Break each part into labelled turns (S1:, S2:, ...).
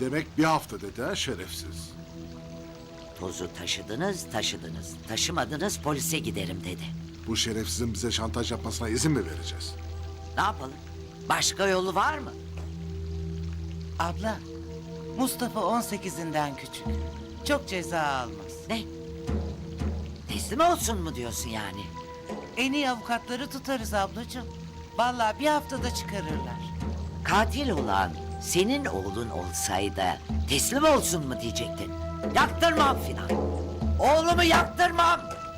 S1: Demek bir hafta dedi ha şerefsiz.
S2: Tozu taşıdınız. Taşımadınız, polise giderim dedi.
S1: Bu şerefsizin bize şantaj yapmasına izin mi vereceğiz?
S2: Ne yapalım? Başka yolu var mı?
S3: Abla, Mustafa 18'inden küçük. Çok ceza almaz.
S2: Ne? Teslim olsun mu diyorsun yani?
S3: En iyi avukatları tutarız ablacığım. Vallahi bir haftada çıkarırlar.
S2: Katil olan senin oğlun olsaydı teslim olsun mu diyecektin? Yaktırmam filan. Oğlumu yaktırmam.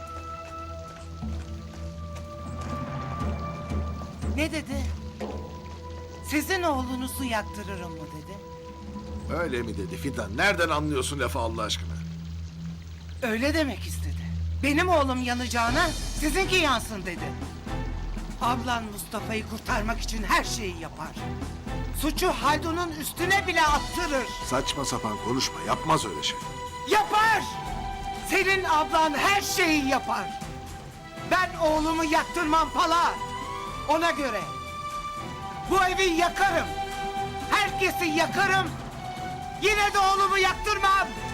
S3: Ne dedi? Sizin oğlunuzu yaktırırım mı dedi?
S1: Öyle mi dedi Fidan? Nereden anlıyorsun lafı Allah aşkına?
S3: Öyle demek istedi. Benim oğlum yanacağına sizinki yansın dedi. Ablan Mustafa'yı kurtarmak için her şeyi yapar. Suçu Haldun'un üstüne bile attırır.
S1: Saçma sapan konuşma. Yapmaz öyle şey.
S3: Yapar! Senin ablan her şeyi yapar. Ben oğlumu yaktırmam Pala. Ona göre. Bu evi yakarım. Herkesi yakarım. Yine de oğlumu yaktırmam.